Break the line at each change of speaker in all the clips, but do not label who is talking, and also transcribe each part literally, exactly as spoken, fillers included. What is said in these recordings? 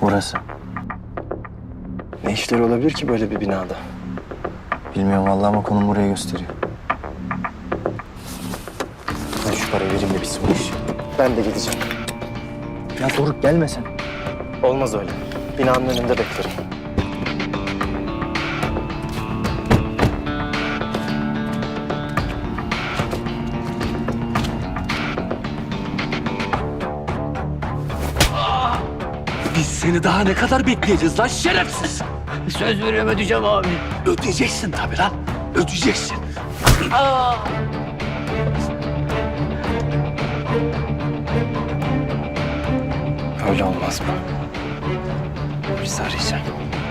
Burası.
Ne işleri olabilir ki böyle bir binada?
Bilmiyorum vallahi ama konum buraya gösteriyor.
Ben şu parayı vereyim de bitsin bu iş. Ben de gideceğim.
Ya Doruk gelme sen.
Olmaz öyle. Binanın önünde beklerim.
Biz seni daha ne kadar bekleyeceğiz lan şerefsiz?
Söz veriyorum ödeyeceğim abi.
Ödeyeceksin tabii lan. Ödeyeceksin.
Öyle olmaz mı? Polisi arayacağım.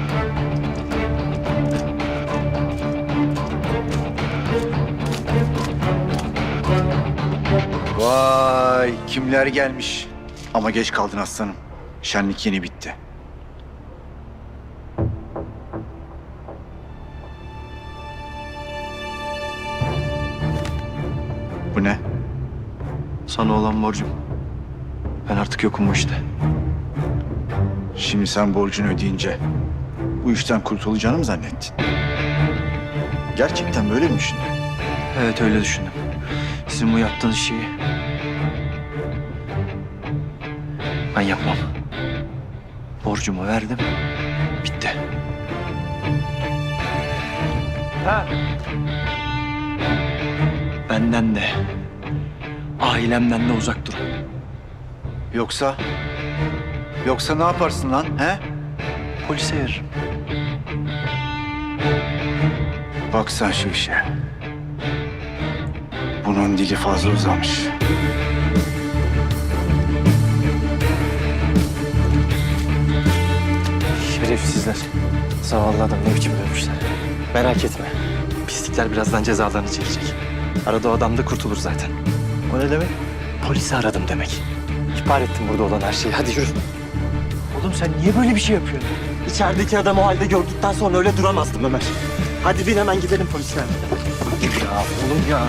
Vay kimler gelmiş. Ama geç kaldın aslanım. Şenlik yeni bitti. Bu ne?
Sana olan borcum. Ben artık yokum bu işte.
Şimdi sen borcunu ödeyince bu işten kurtulacağını mı zannettin? Gerçekten böyle mi düşündün?
Evet öyle düşündüm. Sizin bu yaptığınız şeyi ben yapmam. Borcumu verdim. Bitti.
Ha.
Benden de, ailemden de uzak durun.
Yoksa... Yoksa ne yaparsın lan he?
Polise veririm.
Bak sen şu işe. Bunun dili fazla uzamış.
Şerefsizler. Zavallı adam ne biçim dövmüşler. Merak etme. Pislikler birazdan cezalarını çekecek. Arada o adam da kurtulur zaten.
O ne demek?
Polisi aradım demek. İhbar ettim burada olan her şeyi. Hadi yürü.
Oğlum sen niye böyle bir şey yapıyorsun?
İçerideki adamı o halde gördükten sonra öyle duramazdım Ömer. Hadi bin hemen gidelim polisler.
Ya oğlum ya.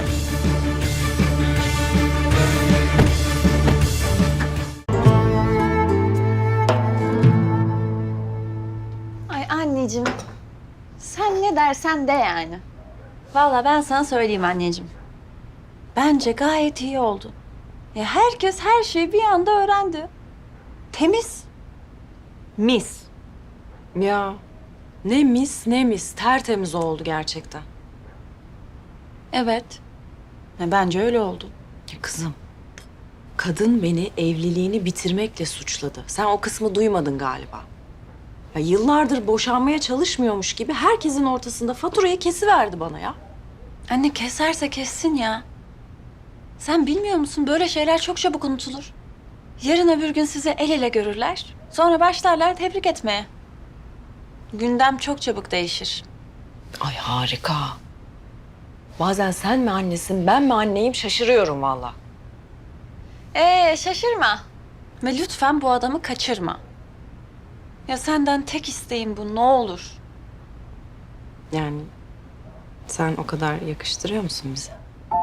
Ay anneciğim, sen ne dersen de yani. Vallahi ben sana söyleyeyim anneciğim. Bence gayet iyi oldu. Ya herkes her şeyi bir anda öğrendi. Temiz.
Mis. Ya ne mis ne mis. Tertemiz oldu gerçekten.
Evet. Ya bence öyle oldu.
Ya kızım, kadın beni evliliğini bitirmekle suçladı. Sen o kısmı duymadın galiba. Ya yıllardır boşanmaya çalışmıyormuş gibi herkesin ortasında faturayı kesiverdi bana ya.
Anne keserse kessin ya. Sen bilmiyor musun böyle şeyler çok çabuk unutulur. Yarın öbür gün sizi el ele görürler. Sonra başlarlar tebrik etmeye. Gündem çok çabuk değişir.
Ay harika. Bazen sen mi annesin, ben mi anneyim şaşırıyorum vallahi.
Ee şaşırma. Ve lütfen bu adamı kaçırma. Ya senden tek isteğim bu ne olur.
Yani sen o kadar yakıştırıyor musun bize?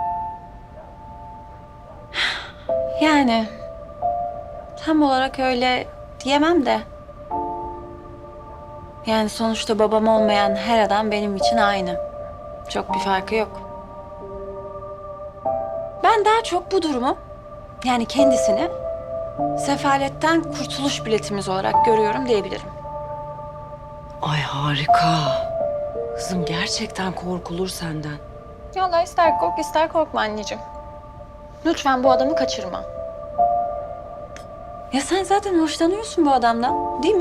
Yani tam olarak öyle diyemem de. Yani sonuçta babam olmayan her adam benim için aynı. Çok bir farkı yok. Ben daha çok bu durumu, yani kendisini sefaletten kurtuluş biletimiz olarak görüyorum diyebilirim.
Ay harika. Kızım gerçekten korkulur senden.
Vallahi ister kork ister korkma anneciğim. Lütfen bu adamı kaçırma. Ya sen zaten hoşlanıyorsun bu adamdan, değil mi?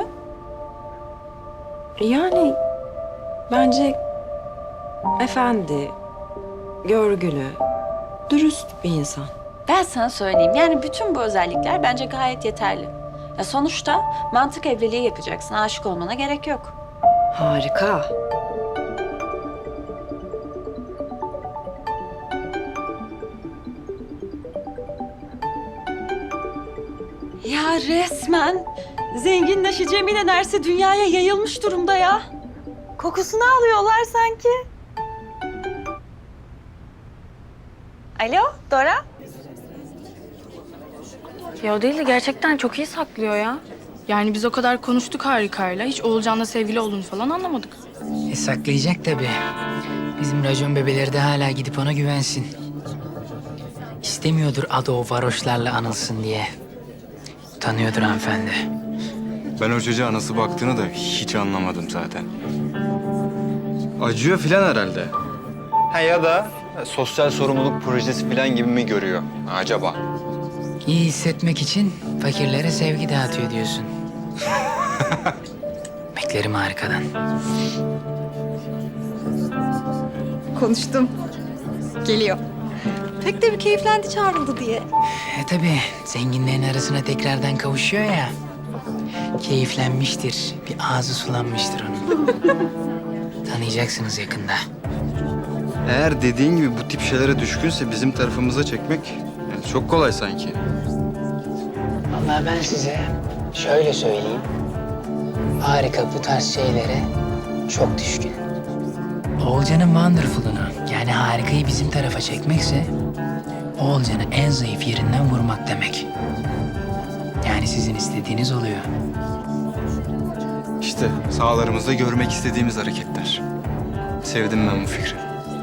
Yani bence efendi, görgülü, dürüst bir insan.
Ben sana söyleyeyim. Yani bütün bu özellikler bence gayet yeterli. Ya sonuçta mantık evliliği yapacaksın. Aşık olmana gerek yok.
Harika.
Ya resmen zenginleşeceğimin enerjisi dünyaya yayılmış durumda ya. Kokusunu alıyorlar sanki. Alo, Dora?
Ya o değil de gerçekten çok iyi saklıyor ya. Yani biz o kadar konuştuk Harika'yla. Hiç Oğulcan'la sevgili olduğunu falan anlamadık.
E saklayacak tabii. Bizim racon bebeleri de hala gidip ona güvensin. İstemiyordur adı o varoşlarla anılsın diye. Utanıyordur hanımefendi.
Ben o çocuğa nasıl baktığını da hiç anlamadım zaten.
Acıyor filan herhalde. Ha ya da sosyal sorumluluk projesi filan gibi mi görüyor acaba?
İyi hissetmek için fakirlere sevgi dağıtıyor diyorsun. Beklerim harikadan.
Konuştum. Geliyor. Pek de bir keyiflendi çağrıldı diye.
E tabii zenginlerin arasına tekrardan kavuşuyor ya. Keyiflenmiştir. Bir ağzı sulanmıştır onun. Tanıyacaksınız yakında.
Eğer dediğin gibi bu tip şeylere düşkünse bizim tarafımıza çekmek yani çok kolay sanki.
Vallahi ben size şöyle söyleyeyim. Harika bu tarz şeylere çok düşkün. Oğulcan'ın wonderful'unu yani harikayı bizim tarafa çekmekse Oğulcan'ı en zayıf yerinden vurmak demek. Yani sizin istediğiniz oluyor.
İşte sahalarımızda görmek istediğimiz hareketler. Sevdim ben bu fikri.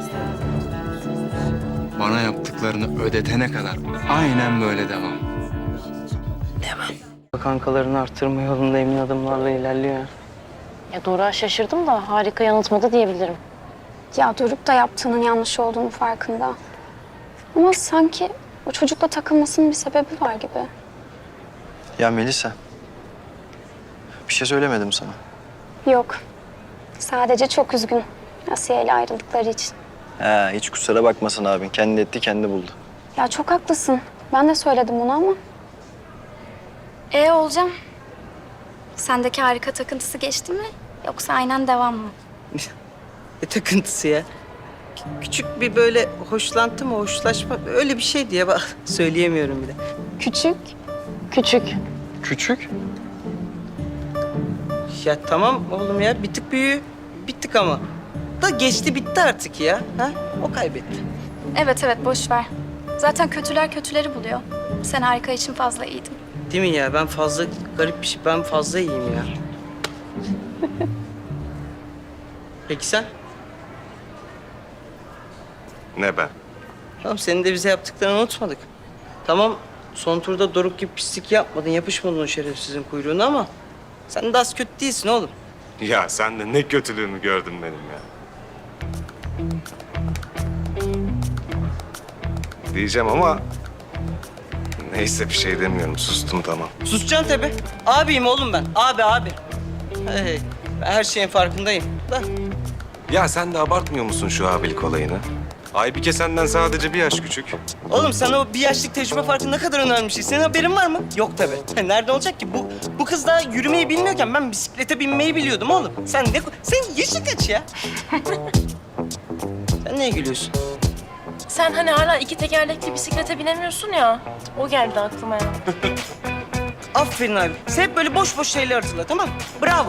Bana yaptıklarını ödetene kadar aynen böyle devam.
Devam.
Kankalarını arttırma yolunda emin adımlarla ilerliyor.
Ya Dora şaşırdım da harika yanıltmadı diyebilirim.
Ya Doruk da yaptığının yanlış olduğunu farkında. Ama sanki o çocukla takılmasının bir sebebi var gibi.
Ya Melisa, bir şey söylemedim sana.
Yok. Sadece çok üzgün Asiye ile ayrıldıkları için.
Ha, hiç kusura bakmasın abin. Kendi etti, kendi buldu.
Ya çok haklısın. Ben de söyledim onu ama. E olacağım. Sendeki harika takıntısı geçti mi? Yoksa aynen devam mı?
Ne takıntısı ya? Kü- Küçük bir böyle hoşlantı mı, hoşlaşma öyle bir şey diye bak söyleyemiyorum bile.
Küçük.
Küçük.
Küçük?
Ya tamam oğlum ya bir tık büyüğü bittik ama. Da geçti bitti artık ya. Ha? O kaybetti.
Evet evet boş ver. Zaten kötüler kötüleri buluyor. Sen harika için fazla iyiydin.
Değil mi ya? Ben fazla garip bir şey. Ben fazla iyiyim ya. Peki sen?
Ne ben?
Tamam senin de bize yaptıklarını unutmadık. Tamam son turda Doruk gibi pislik yapmadın, yapışmadın o şerefsizin kuyruğuna ama sen de az kötü değilsin oğlum.
Ya sen de ne kötülüğümü gördün benim ya. Diyeceğim ama neyse bir şey demiyorum. Sustum tamam.
Susacaksın tabii. Abiyim oğlum ben. Abi abi. Hey, ben her şeyin farkındayım. Da.
Ya sen de abartmıyor musun şu abilik olayını? Aybike senden sadece bir yaş küçük.
Oğlum sana o bir yaşlık tecrübe farkı ne kadar önemli bir şey. Senin haberin var mı? Yok tabii. Nerede olacak ki? Bu bu kız daha yürümeyi bilmiyorken ben bisiklete binmeyi biliyordum oğlum. Sen ne... Senin yaşın kaç ya? Sen neye gülüyorsun?
Sen hani hala iki tekerlekli bisiklete binemiyorsun ya. O geldi aklıma ya.
Aferin abi. Sen hep böyle boş boş şeyler hatırla tamam mı? Bravo.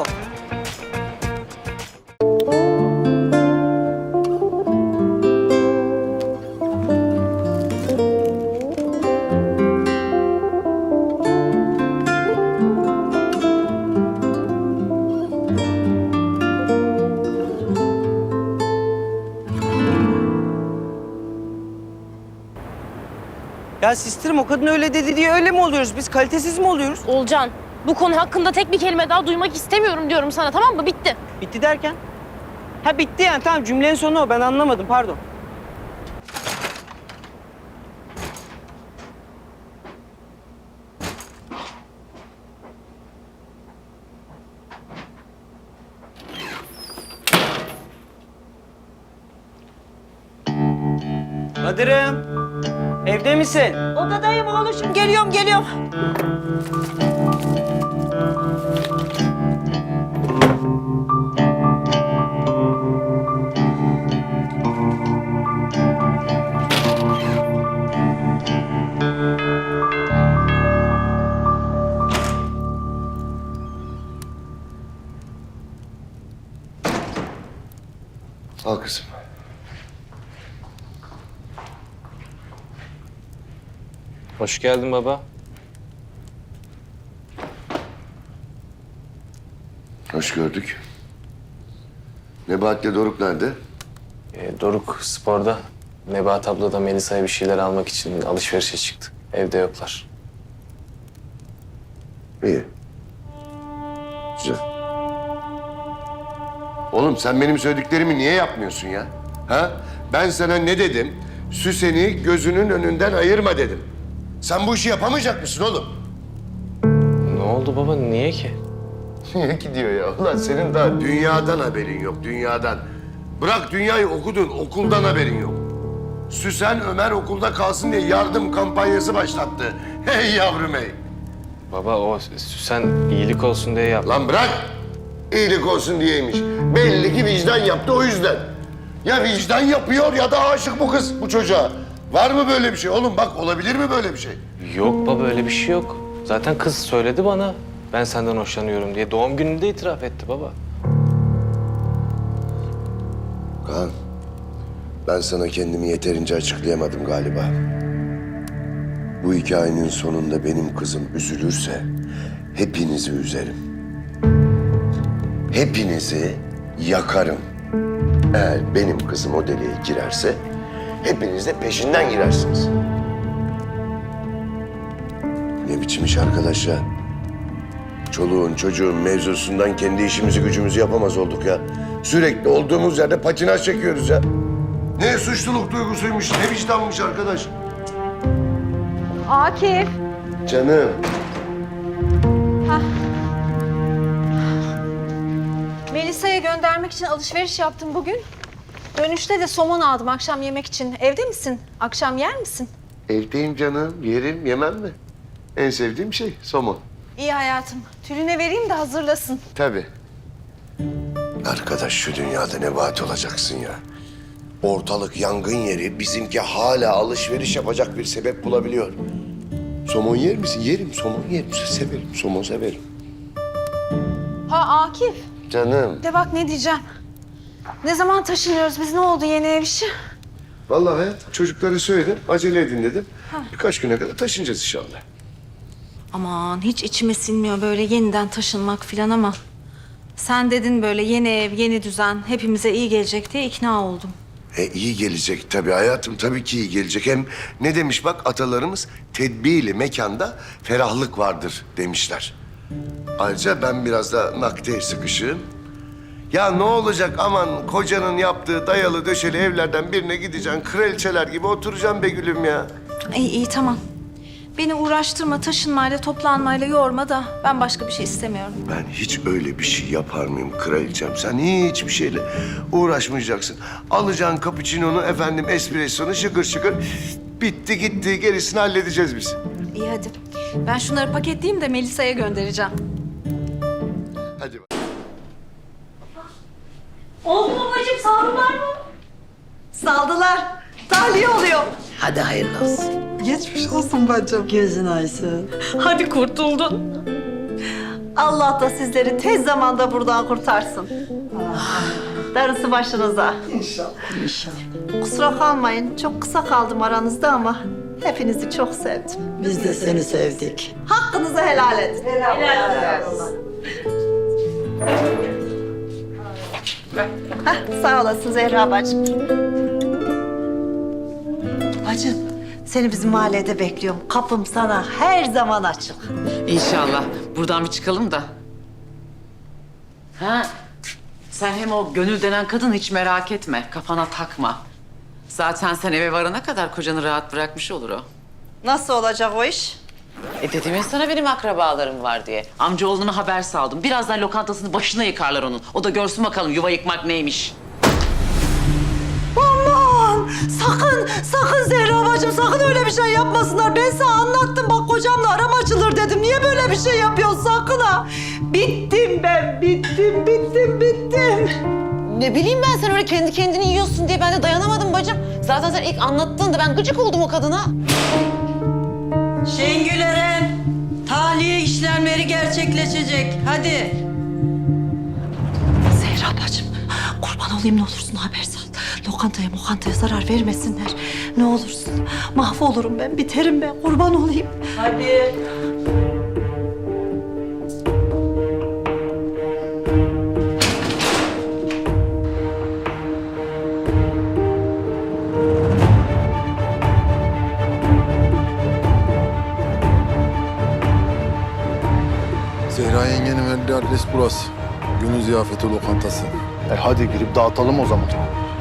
Ya sistirim o kadın öyle dedi diye öyle mi oluyoruz? Biz kalitesiz mi oluyoruz?
Olcan, bu konu hakkında tek bir kelime daha duymak istemiyorum diyorum sana, tamam mı? Bitti.
Bitti derken? Ha bitti yani tamam cümlenin sonu o ben anlamadım pardon. Kadir'im, evde misin?
Odadayım oğlum. Geliyorum, geliyorum.
Al kızım.
Hoş geldin baba.
hoş gördük. Nebahat'le Doruk nerede?
E, Doruk sporda. Nebahat abla da Melisa'ya bir şeyler almak için alışverişe çıktı. Evde yoklar.
İyi. Güzel. Oğlum sen benim söylediklerimi niye yapmıyorsun ya? Ha? Ben sana ne dedim? Süsen'i gözünün önünden ayırma dedim. Sen bu işi yapamayacak mısın oğlum?
Ne oldu baba? Niye ki?
Niye gidiyor ya? Ulan senin daha dünyadan haberin yok, dünyadan. Bırak dünyayı okudun, okuldan haberin yok. Süsen Ömer okulda kalsın diye yardım kampanyası başlattı. Hey yavrum hey.
Baba o Süsen iyilik olsun diye yaptı.
Lan bırak. İyilik olsun diyeymiş. Belli ki vicdan yaptı o yüzden. Ya vicdan yapıyor ya da aşık bu kız bu çocuğa. Var mı böyle bir şey? Oğlum bak olabilir mi böyle bir şey?
Yok baba öyle bir şey yok. Zaten kız söyledi bana. Ben senden hoşlanıyorum diye. Doğum gününde itiraf etti baba.
Kaan, ben sana kendimi yeterince açıklayamadım galiba. Bu hikayenin sonunda benim kızım üzülürse hepinizi üzerim. Hepinizi yakarım. Eğer benim kızım o deliğe girerse hepiniz de peşinden girersiniz. Ne biçim iş arkadaş ya? Çoluğun çocuğun mevzusundan kendi işimizi gücümüzü yapamaz olduk ya. Sürekli olduğumuz yerde patinaj çekiyoruz ya. Ne suçluluk duygusuymuş, ne vicdanmış arkadaş.
Akif.
Canım.
Melisa'ya göndermek için alışveriş yaptım bugün. Dönüşte de somon aldım akşam yemek için. Evde misin? Akşam yer misin?
Evdeyim canım, yerim, yemem mi? En sevdiğim şey somon.
İyi hayatım. Tülin'e vereyim de hazırlasın.
Tabii. Arkadaş şu dünyada nebahat olacaksın ya. Ortalık yangın yeri, bizimki hala alışveriş yapacak bir sebep bulabiliyor. Somon yer misin? Yerim, somon yerim. Severim, somon severim.
Ha Akif.
Canım.
De bak ne diyeceğim. Ne zaman taşınıyoruz biz? Ne oldu yeni ev işi?
Vallahi hayat, çocuklara söyledim, acele edin dedim. Birkaç güne kadar taşınacağız inşallah.
Aman hiç içime sinmiyor böyle yeniden taşınmak falan ama... Sen dedin böyle yeni ev, yeni düzen hepimize iyi gelecek diye ikna oldum.
E iyi gelecek tabii hayatım, tabii ki iyi gelecek. Hem ne demiş bak atalarımız, tedbirli mekanda ferahlık vardır demişler. Ayrıca ben biraz da nakde sıkışığım. Ya ne olacak aman kocanın yaptığı dayalı döşeli evlerden birine gideceksin. Kraliçeler gibi oturacaksın be gülüm ya.
İyi iyi tamam. Beni uğraştırma, taşınmayla, toplanmayla yorma da ben başka bir şey istemiyorum.
Ben hiç öyle bir şey yapar mıyım kraliçem? Sen hiçbir şeyle uğraşmayacaksın. Alacaksın cappuccino'nu, efendim espressonu şıkır şıkır. Bitti gitti, gerisini halledeceğiz biz.
İyi hadi. Ben şunları paketleyeyim de Melisa'ya göndereceğim.
Hadi bak.
Oldu mu bacım? Saldılar mı? Saldılar. Tahliye oluyor.
Hadi hayırlı olsun.
Geçmiş olsun bacım.
Gözün aysın.
Hadi kurtuldun. Allah da sizleri tez zamanda buradan kurtarsın. Darısı başınıza.
İnşallah.
İnşallah.
Kusura kalmayın. Çok kısa kaldım aranızda ama hepinizi çok sevdim.
Biz de seni sevdik.
Hakkınızı helal edin. Helal olsun. Hah, sağ olasın Zehra bacım. Bacım, seni bizim mahallede bekliyorum. Kapım sana her zaman açık.
İnşallah. Buradan bir çıkalım da. Ha? Sen hem o Gönül denen kadını hiç merak etme. Kafana takma. Zaten sen eve varana kadar kocanı rahat bırakmış olur o.
Nasıl olacak o iş?
E dedim ya sana benim akrabalarım var diye. Amcaoğluna haber saldım. Birazdan lokantasını başına yıkarlar onun. O da görsün bakalım yuva yıkmak neymiş.
Aman! Sakın, sakın Zehra bacım sakın öyle bir şey yapmasınlar. Ben sana anlattım bak kocamla aram açılır dedim. Niye böyle bir şey yapıyorsun sakın ha? Bittim ben, bittim, bittim, bittim.
Ne bileyim ben sen öyle kendi kendini yiyorsun diye ben de dayanamadım bacım. Zaten sen ilk anlattığında ben gıcık oldum o kadına.
Şengül Eren, tahliye işlemleri gerçekleşecek. Hadi.
Zehra bacım, kurban olayım ne olursun haber sal. Lokantaya mokantaya zarar vermesinler. Ne olursun. Mahvolurum ben, biterim ben. Kurban olayım.
Hadi.
geldi adres burası. Günün ziyafeti lokantası.
E hadi girip dağıtalım o zaman.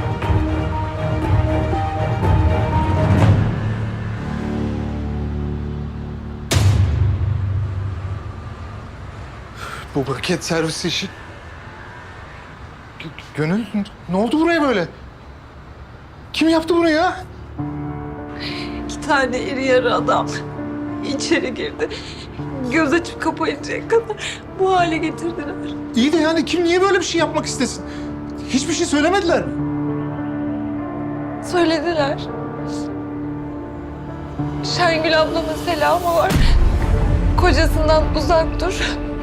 Bu paket servis işi... G- Gönül, ne oldu buraya böyle? Kim yaptı bunu ya?
İki tane iri yarı adam içeri girdi. Göz açıp kapayıncaya kadar bu hale getirdiler.
İyi de yani kim niye böyle bir şey yapmak istesin? Hiçbir şey söylemediler mi?
Söylediler. Şengül ablamın selamı var. Kocasından uzak dur.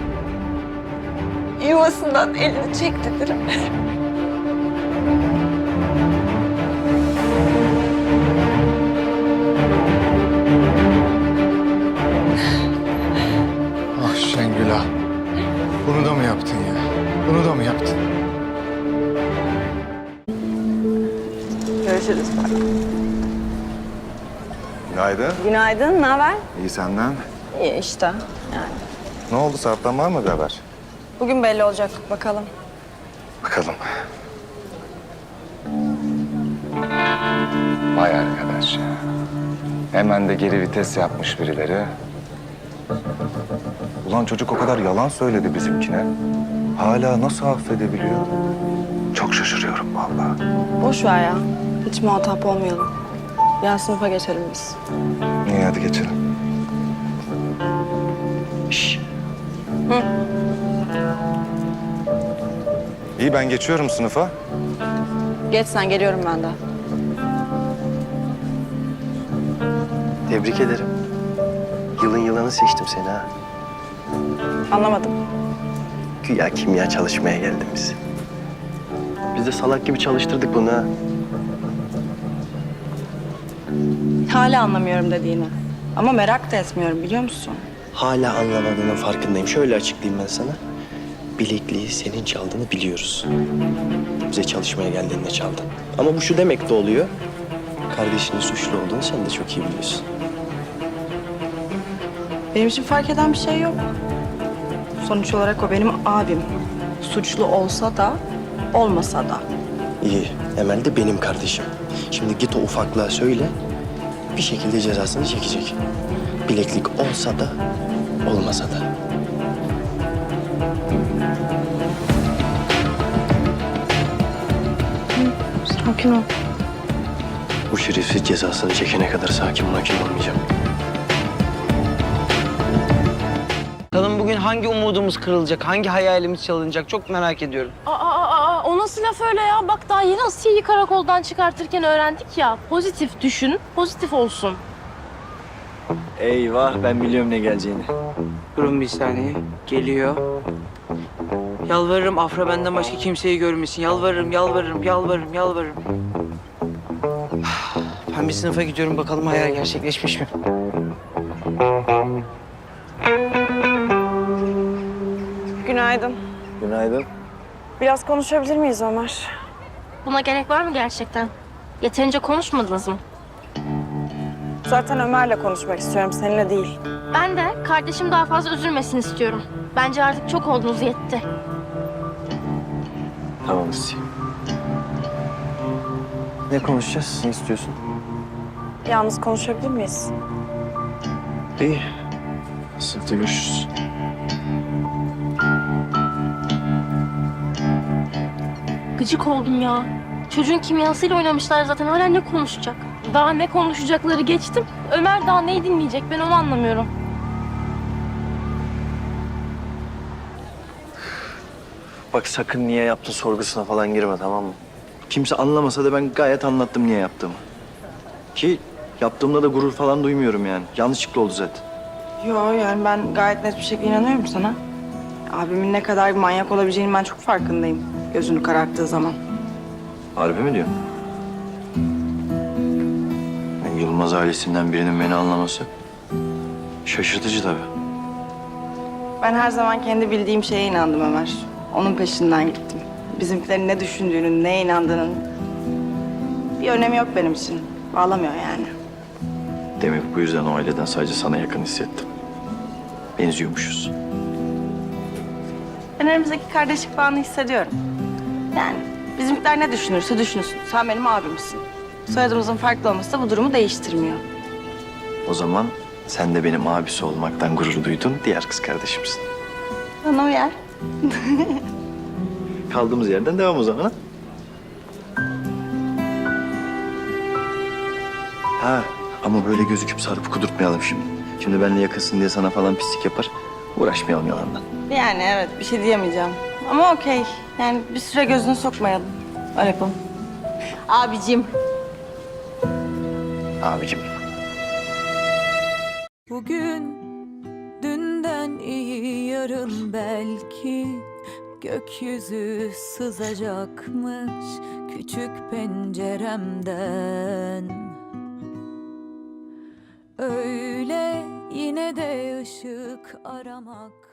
Yuvasından elini çek dediler.
Ah Şengül ah. Bunu da mı yaptın ya? Bunu da mı yaptın?
Görüşürüz.
Günaydın.
Günaydın, ne haber?
İyi senden.
İyi işte yani.
Ne oldu? Sarp'tan var mı bir haber?
Bugün belli olacak bakalım.
Bakalım. Vay arkadaş ya. Hemen de geri vites yapmış birileri. Ulan çocuk o kadar yalan söyledi bizimkine. Hala nasıl affedebiliyor? Çok şaşırıyorum vallahi.
Boş ver ya. Hiç muhatap olmayalım. Yan sınıfa geçelim biz.
İyi hadi geçelim.
Şş. Hı.
İyi ben geçiyorum sınıfa.
Geç sen, geliyorum ben de.
Tebrik ederim. Yılın yılanı seçtim seni ha.
Anlamadım.
Güya kimya çalışmaya geldim biz. Biz de salak gibi çalıştırdık bunu ha.
Hala anlamıyorum dediğini. Ama merak da etmiyorum, biliyor musun?
Hala anlamadığının farkındayım. Şöyle açıklayayım ben sana. Bilekliği senin çaldığını biliyoruz. Bize çalışmaya geldiğinde çaldın. Ama bu şu demek de oluyor. Kardeşinin suçlu olduğunu sen de çok iyi biliyorsun.
Benim için fark eden bir şey yok. Sonuç olarak o benim abim. Suçlu olsa da, olmasa da.
İyi. Emel de benim kardeşim. Şimdi git o ufaklığa söyle. Bir şekilde cezasını çekecek. Bileklik olsa da, olmasa da.
Sakin ol.
Bu şerefsiz cezasını çekene kadar sakin makin olmayacağım.
Bakalım bugün hangi umudumuz kırılacak, hangi hayalimiz çalınacak çok merak ediyorum.
Aa, aa, aa, o nasıl laf öyle ya? Bak daha yeni Asiye'yi karakoldan çıkartırken öğrendik ya. Pozitif düşün, pozitif olsun.
Eyvah, ben biliyorum ne geleceğini.
Durun bir saniye. Geliyor. Yalvarırım Afra benden başka kimseyi görmesin. Yalvarırım, yalvarırım, yalvarırım, yalvarırım. Ben bir sınıfa gidiyorum bakalım hayal gerçekleşmiş mi?
Günaydın.
Günaydın.
Biraz konuşabilir miyiz Ömer?
Buna gerek var mı gerçekten? Yeterince konuşmadınız mı?
Zaten Ömer'le konuşmak istiyorum, seninle değil.
Ben de kardeşim daha fazla üzülmesin istiyorum. Bence artık çok oldunuz, yetti.
Tamam Asiye. Ne konuşacağız? Ne istiyorsun?
Yalnız konuşabilir miyiz?
İyi. Sınıfta görüşürüz.
Gıcık oldum ya. Çocuğun kimyasıyla oynamışlar zaten. Hala ne konuşacak? Daha ne konuşacakları geçtim. Ömer daha neyi dinleyecek? Ben onu anlamıyorum.
Bak sakın niye yaptın sorgusuna falan girme, tamam mı? Kimse anlamasa da ben gayet anlattım niye yaptığımı. Ki yaptığımda da gurur falan duymuyorum yani. Yanlışlıkla oldu zaten.
Yo yani ben gayet net bir şekilde inanıyorum sana. Abimin ne kadar bir manyak olabileceğini ben çok farkındayım. Gözünü kararttığı zaman.
Harbi mi diyorsun? Yani Yılmaz ailesinden birinin beni anlaması şaşırtıcı tabii.
Ben her zaman kendi bildiğim şeye inandım Ömer. Onun peşinden gittim. Bizimkilerin ne düşündüğünün, neye inandığının bir önemi yok benim için. Bağlamıyor yani.
Demek bu yüzden o aileden sadece sana yakın hissettim. Benziyormuşuz.
Ben aramızdaki kardeşlik bağını hissediyorum. Yani bizimkiler ne düşünürse düşünsün. Sen benim abimsin. Soyadımızın farklı olması da bu durumu değiştirmiyor.
O zaman sen de benim abisi olmaktan gurur duydun, diğer kız kardeşimsin.
Bana uyar.
Kaldığımız yerden devam o zaman. Ha, ha ama böyle gözüküp sarıp kudurtmayalım şimdi. Şimdi benimle yakınsın diye sana falan pislik yapar. Uğraşmayalım yalandan.
Yani evet bir şey diyemeyeceğim. Ama okey. Yani bir süre gözünü sokmayalım. Öyle yapalım. Abicim.
Abicim.
Bugün dünden iyi yarın belki gökyüzü sızacakmış küçük penceremden. Öyle yine de ışık aramak